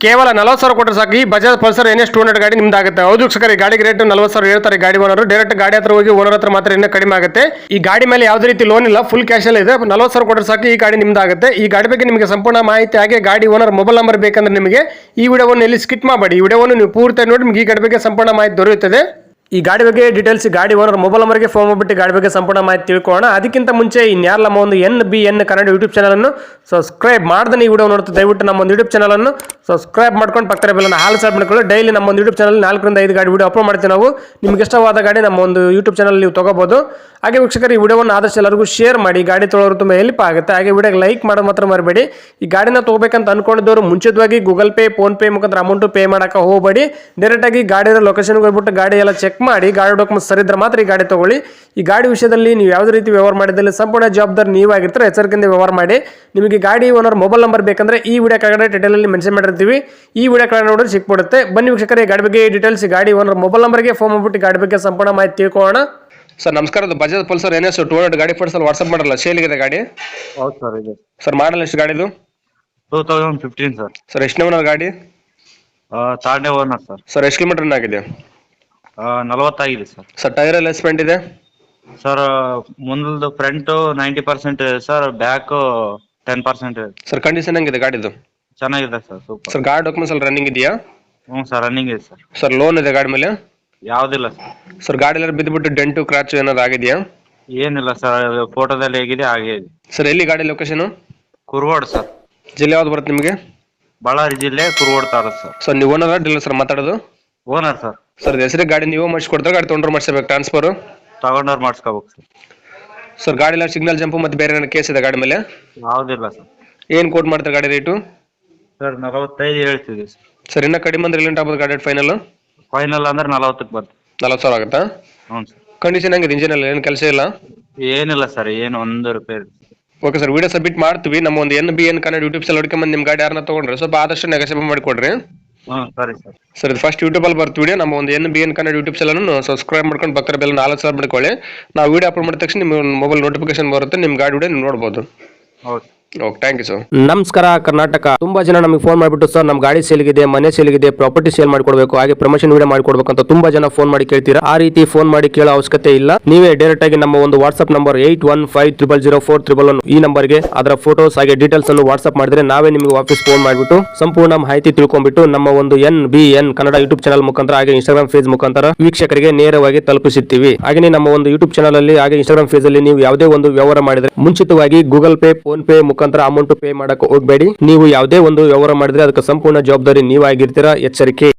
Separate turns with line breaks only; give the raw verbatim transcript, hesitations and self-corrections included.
ಕೇವಲ ನಲವತ್ತು ಸಾವಿರ ಕೊಟ್ಟರೆ ಸಾಕು ಈ Bajaj Pulsar N S two hundred ಗಾಡಿ ನಿಮ್ದಾಗುತ್ತೆ. ಹೌದು ವೀಕ್ಷಕರೇ, ಈ ಗಾಡಿಗೆ ರೇಟ್ ನಲವತ್ತು ಸಾವಿರ ಹೇಳ್ತಾರೆ ಗಾಡಿ ಓನರ್. ಡೈರೆಕ್ಟ್ ಗಾಡಿ ಹತ್ರ ಹೋಗಿ ಓನರ್ ಹತ್ರ ಮಾತ್ರ ಇನ್ನೂ ಕಡಿಮೆ ಆಗುತ್ತೆ. ಈ ಗಾಡಿ ಮೇಲೆ ಯಾವುದೇ ರೀತಿ ಲೋನ್ ಇಲ್ಲ, ಫುಲ್ ಕ್ಯಾಶ್ ಅಲ್ಲಿ ಇದೆ. ನಲವತ್ತು ಸಾವಿರ ಕೊಟ್ಟರೆ ಸಾಕು ಈ ಗಾಡಿ ನಿಮ್ದಾಗುತ್ತೆ. ಈ ಗಾಡಿ ಬಗ್ಗೆ ನಿಮಗೆ ಸಂಪೂರ್ಣ ಮಾಹಿತಿ ಹಾಗೆ ಗಾಡಿ ಓನರ್ ಮೊಬೈಲ್ ನಂಬರ್ ಬೇಕಂದ್ರೆ ನಿಮಗೆ ಈ ವಿಡಿಯೋವನ್ನು ಎಲ್ಲಿ ಸ್ಕಿಪ್ ಮಾಡಬೇಡಿ. ಈ ವಿಡಿಯೋವನ್ನು ನೀವು ಪೂರ್ತಿ ನೋಡಿ ನಿಮಗೆ ಈ ಗಾಡಿ ಬಗ್ಗೆ ಸಂಪೂರ್ಣ ಮಾಹಿತಿ ದೊರೆಯುತ್ತದೆ. ಈ ಗಾಡಿ ಬಗ್ಗೆ ಡೀಟೇಲ್ಸ್ ಗಾಡಿ ಓನರ್ ಮೊಬೈಲ್ ನಂಬರ್ಗೆ ಫೋನ್ ಮಾಡಿಬಿಟ್ಟು ಗಾಡಿ ಬಗ್ಗೆ ಸಂಪೂರ್ಣ ಮಾಹಿತಿ ತಿಳ್ಕೊಳ್ಳೋಣ. ಅದಕ್ಕಿಂತ ಮುಂಚೆ ಇನ್ಯಾರ ನಮ್ಮ ಒಂದು N B N Kannada YouTube ಚಾನಲನ್ನು ಸಬ್ಸ್ಕ್ರೈಬ್ ಮಾಡ್ದೆ ಈ ವಿಡಿಯೋ ನೋಡ್ತಾ ದಯವಿಟ್ಟು ನಮ್ಮ ಒಂದು ಯೂಟ್ಯೂಬ್ ಚಾನಲನ್ನು ಸಬ್ಸ್ಕ್ರೈಬ್ ಮಾಡ್ಕೊಂಡು ಪಕ್ಕದ ಬೆಲ್ಲನ್ನು ಹಾಲ್ ಸಬ್ ಮಾಡ್ಕೊಳ್ಳಿ. ಡೈಲಿ ನಮ್ಮ ಒಂದು ಯೂಟ್ಯೂಬ್ ಚಾನಲ್ ನಾಲ್ಕರಿಂದ ಐದು ಗಾಡಿ ವಿಡಿಯೋ ಅಪ್ಲೋಡ್ ಮಾಡ್ತೀವಿ ನಾವು. ನಿಮ್ಗೆ ಇಷ್ಟವಾದ ಗಾಡಿ ನಮ್ಮ ಒಂದು ಯೂಟ್ಯೂಬ್ ಚಾನಲ್ ನೀವು ತಗೋಬಹುದು. ಹಾಗೆ ವೀಕ್ಷಕರು, ಈ ವಿಡಿಯೋವನ್ನು ಆದಷ್ಟು ಎಲ್ಲರಿಗೂ ಶೇರ್ ಮಾಡಿ, ಗಾಡಿ ತೊಗೊಳೋರು ತುಂಬ ಹೆಲ್ಪ್ ಆಗುತ್ತೆ. ಹಾಗೆ ವಿಡಿಯೋಗೆ ಲೈಕ್ ಮಾಡೋದು ಮಾತ್ರ ಮರಬೇಡಿ. ಈ ಗಾಡಿನ ತಗೋಬೇಕಂತ ಅನ್ಕೊಂಡಿದ್ದವರು ಮುಂಚಿತವಾಗಿ ಗೂಗಲ್ ಪೇ ಫೋನ್ ಪೇ ಮುಖಾಂತರ ಅಮೌಂಟ್ ಪೇ ಮಾಡೋಕೆ ಹೋಗಬೇಡಿ. ಡೈರೆಕ್ಟ್ ಆಗಿ ಗಾಡಿಯ ಲೊಕೇಶನ್ಗೆ ಹೋಗ್ಬಿಟ್ಟು ಗಾಡಿ ಎಲ್ಲ ಚೆಕ್ ಮಾಡಿ, ಗಾಡಿ ಡಾಕ್ಯುಮೆಂಟ್ಸ್ ಸರಿ ಇದ್ರೆ ಮಾತ್ರ ಈ ಗಾಡಿ ತಗೊಳ್ಳಿ. ಈ ಗಾಡಿ ವಿಷಯದಲ್ಲಿ ನೀವು ಯಾವುದೇ ರೀತಿ ವ್ಯವಹಾರ ಮಾಡಿದಲ್ಲಿ ಸಂಪೂರ್ಣ ಜವಾಬ್ದಾರಿ ನೀವಾಗಿರ್ತಾರೆ. ಎಚ್ಚರಿಕೆಯಿಂದ ವ್ಯವಹಾರ ಮಾಡಿ. ನಿಮಗೆ ಗಾಡಿ ಓನರ್ ಮೊಬೈಲ್ ನಂಬರ್ ಬೇಕಂದ್ರೆ ಈ ವಿಡಿಯೋ ಕೆಳಗಡೆ ಟೈಟಲಲ್ಲಿ ಮೆನ್ಷನ್ ಮಾಡಿರ್ತೀವಿ. ಈ ವಿಡಿಯೋ ಕೆಳಗಡೆ ನೋಡಿದ್ರೆ ಸಿಕ್ಬಿಡುತ್ತೆ. ಬನ್ನಿ ವೀಕ್ಷಕರೇ, ಈ ಗಾಡಿ ಬಗ್ಗೆ ಡೀಟೇಲ್ಸ್ ಗಾಡಿ ಓನರ್ ಮೊಬೈಲ್ ನಂಬರ್ಗೆ ಫೋನ್ ಮಾಡ್ಬಿಟ್ಟು ಗಾಡಿ ಬಗ್ಗೆ ಸಂಪೂರ್ಣ ಮಾಹಿತಿ ತಿಳ್ಕೊಳ್ಳೋಣ. ಸರ್ ನಮಸ್ಕಾರ, ಅದು Bajaj Pulsar N S two hundred ಗಾಡಿ ಫೋಟೋಸ್ ಅಲ್ಲಿ ವಾಟ್ಸ್ಆಪ್ ಮಾಡಲ್ಲ, ಸೇಲಿಗಿದೆ ಗಾಡಿ.
ಹೌದು ಸರ್, ಇದೆ
ಸರ್ ಮಾಡಲ್ ಎಷ್ಟು ಗಾಡಿದು?
Two thousand fifteen sir.
Sir ಎಷ್ಟು ಓನರ್ ಗಾಡಿ?
Third owner sir.
ಸರ್ ಎಷ್ಟು ಕಿಲೋಮೀಟರ್ ಆಗಿದೆ?
ನಲವತ್ತಾಗಿದೆ ಸರ್.
ಸರ್ ಟೈರ್ ಎಲ್ಲ ಸ್ಪೆಂಟ್ ಇದೆ?
ಸರ್ ಮುಂದದು ಫ್ರಂಟ್ ನೈಂಟಿ ಪರ್ಸೆಂಟ್ ಇದೆ ಸರ್, ಬ್ಯಾಕ್ ಟೆನ್ ಪರ್ಸೆಂಟ್ ಇದೆ.
ಸರ್ ಕಂಡೀಷನ್ ಹೆಂಗಿದೆ ಗಾಡಿದು?
ಚೆನ್ನಾಗಿದೆ ಸರ್, ಸೂಪರ್.
ಸರ್ ಗಾಡಿ ಡಾಕ್ಯುಮೆಂಟ್ಸ್ ಅಲ್ಲಿ ರನ್ನಿಂಗ್ ಇದೆಯಾ?
ಹ್ಞೂ ಸರ್, ರನ್ನಿಂಗ್ ಇದೆ ಸರ್.
ಸರ್ ಲೋನ್ ಇದೆ ಗಾಡಿ ಮೇಲೆ?
ಯಾವುದಿಲ್ಲ ಸರ್.
ಸರ್ ಗಾಡಿ ಎಲ್ಲ ಬಿದ್ದುಬಿಟ್ಟು ಡೆಂಟು ಕ್ರಾಚ್ ಏನಾದ್ರು ಆಗಿದೆಯಾ?
ಏನಿಲ್ಲ ಸರ್, ಫೋಟೋದಲ್ಲಿ ಹೇಗಿದೆ ಹಾಗೆ ಇದೆ.
ಸರ್ ಎಲ್ಲಿ ಗಾಡಿ ಲೊಕೇಶನ್?
ಕುರುಗೋಡು ಸರ್.
ಜಿಲ್ಲೆ ಯಾವ್ದು ಬರುತ್ತೆ ನಿಮಗೆ?
ಬಳ್ಳಾರಿ ಜಿಲ್ಲೆ, ಕುರುಗೋಡು ತಾಲೂಕು ಸರ್.
ಸರ್ ನೀವು ಓನರ್ ಡೀಲರ್ ಸರ್ ಮಾತಾಡೋದು?
Owner sir.
ಸರ್ ಹೆಸರಿಗೆ ಗಾಡಿ ನೀವು ಮಾಡಿಸ್ಕೊಡ್ತಾರೆ, ಗಾಡಿ ತೊಗೊಂಡ್ರೆ ಮಾಡಿಸ್ಬೇಕು ಟ್ರಾನ್ಸ್ಫರ್?
ತಗೊಂಡವ್ರು ಮಾಡಿಸ್ಕೋಬೇಕು ಸರ್.
ಸರ್ ಗಾಡಿ ಎಲ್ಲ ಸಿಗ್ನಲ್ ಜಂಪು ಮತ್ತು ಬೇರೆ ಏನಾದ್ರು ಕೇಸ್ ಇದೆ ಗಾಡಿ ಮೇಲೆ?
ಯಾವುದಿಲ್ಲ ಸರ್.
ಏನು ಕೋಟ್ ಮಾಡ್ತಾರೆ ಗಾಡಿ ರೇಟು?
ಸರ್ ನಲವತ್ತೈದು ಹೇಳ್ತಿದ್ದೀವಿ ಸರ್.
ಸರ್ ಇನ್ನೂ ಕಡಿಮೆ ಅಂದ್ರೆ ಎಲ್ಲಿಂಟ ಆಗ್ಬೋದು ಗಾಡಿ ಫೈನಲ್?
ಫೈನಲ್ ಅಂದ್ರೆ ನಲವತ್ತಕ್ಕೆ ಬರ್ತದೆ.
ನಲವತ್ತು ಸಾವಿರ ಆಗುತ್ತಾ?
ಹ್ಞೂ ಸರ್.
ಕಂಡೀಷನ್ ಹೆಂಗಿದೆ ಇಂಜಿನ್ ಎಲ್ಲ? ಏನು ಕೆಲಸ ಇಲ್ಲ?
ಏನಿಲ್ಲ ಸರ್, ಏನು ಒಂದು ರೂಪಾಯಿ.
ಓಕೆ ಸರ್, ವಿಡಿಯೋ ಸಬ್ಮಿಟ್ ಮಾಡ್ತೀವಿ. ನಮ್ಮ ಒಂದು N B N Kannada YouTube channel ಹುಡ್ಕೊಂಬಂದು ನಿಮ್ಮ ಗಾಡಿ ಯಾರನ್ನ ತೊಗೊಂಡ್ರೆ ಸ್ವಲ್ಪ ಆದಷ್ಟು ನೆಗೋಸಿಯೇಟ್ ಮಾಡಿಕೊಡ್ರಿ.
ಹ್ಞೂ ಸರಿ ಸರ್.
ಸರ್ ಇದು ಫಸ್ಟ್ ಯೂಟ್ಯೂಬಲ್ಲಿ ಬರ್ತೀವಿ ವಿಡಿಯೋ. ನಮ್ಮ ಒಂದು N B N Kannada YouTube ಚಾನಲನ್ನು ಸಬ್ಸ್ಕ್ರೈಬ್ ಮಾಡ್ಕೊಂಡು ಪಕ್ಕದ ಬೆಲ್ಲ ನಾಲ್ಕು ಸಾವಿರ ಮಾಡ್ಕೊಳ್ಳಿ. ನಾವು ವಿಡಿಯೋ ಅಪ್ಲೋಡ್ ಮಾಡಿದ ತಕ್ಷಣ ನಿಮ್ಮ ಮೊಬೈಲ್ ನೋಟಿಫಿಕೇಶನ್ ಬರುತ್ತೆ, ನಿಮ್ಮ ಗಾಡಿ ವಿಡಿಯೋ ನೀವು ನೋಡ್ಬೋದು.
ಹೌದು.
Okay, thank you sir.
ನಮಸ್ಕಾರ ಕರ್ನಾಟಕ. ತುಂಬಾ ಜನ ನಮಗೆ ಫೋನ್ ಮಾಡಿಬಿಟ್ಟು ಸರ್ ನಮ್ಮ ಗಾಡಿ ಸೇಲ್ಗಿದೆ, ಮನೆ ಸೇಲ್ಗಿದೆ, ಪ್ರಾಪರ್ಟಿ ಸೇಲ್ ಮಾಡ್ಕೊಡ್ಬೇಕು, ಹಾಗೆ ಪ್ರಮೋಷನ್ ವಿಡಿಯೋ ಮಾಡ್ಕೊಡ್ಬೇಕು ಅಂತ ತುಂಬಾ ಜನ ಫೋನ್ ಮಾಡಿ ಕೇಳ್ತೀರಾ. ಆ ರೀತಿ ಫೋನ್ ಮಾಡಿ ಕೇಳೋ ಅವಶ್ಯಕತೆ ಇಲ್ಲ. ನೀವೇ ಡೈರೆಕ್ಟ್ ಆಗಿ ನಮ್ಮ ಒಂದು WhatsApp number eight one five triple zero four triple one ಈ ನಂಬರ್ಗೆ ಅದರ ಫೋಟೋಸ್ ಹಾಗೆ ಡೀಟೇಲ್ಸ್ ಅನ್ನು ವಾಟ್ಸ್ಆಪ್ ಮಾಡಿದ್ರೆ ನಾವೇ ನಿಮಗೆ ವಾಪಸ್ ಫೋನ್ ಮಾಡಿಬಿಟ್ಟು ಸಂಪೂರ್ಣ ಮಾಹಿತಿ ತಿಳ್ಕೊಂಡ್ಬಿಟ್ಟು ನಮ್ಮ ಒಂದು N B N Kannada YouTube channel ಮುಖಾಂತರ ಹಾಗೆ ಇನ್ಸ್ಟಾಗ್ರಾಮ್ ಪೇಜ್ ಮುಖಾಂತರ ವೀಕ್ಷಕರಿಗೆ ನೇರವಾಗಿ ತಲುಪಿಸುತ್ತೀವಿ. ಹಾಗೆ ನಮ್ಮ ಒಂದು ಯೂಟ್ಯೂಬ್ ಚಾನಲ್ ಅಲ್ಲಿ ಹಾಗೆ ಇನ್ಸ್ಟಾಗ್ರಾಮ್ ಪೇಜ್ ಅಲ್ಲಿ ನೀವು ಯಾವುದೇ ಒಂದು ವ್ಯವಹಾರ ಮಾಡಿದ್ರೆ ಮುಂಚಿತವಾಗಿ ಗೂಗಲ್ ಪೇ ಫೋನ್ ಪೇ ಮುಖಾಂತರ ಅಮೌಂಟ್ ಪೇ ಮಾಡಕ್ಕೆ ಹೋಗಬೇಡಿ. ನೀವು ಯಾವುದೇ ಒಂದು ವ್ಯವಹಾರ ಮಾಡಿದ್ರೆ ಅದಕ್ಕೆ ಸಂಪೂರ್ಣ ಜವಾಬ್ದಾರಿ ನೀವಾಗಿರ್ತೀರಾ. ಎಚ್ಚರಿಕೆ.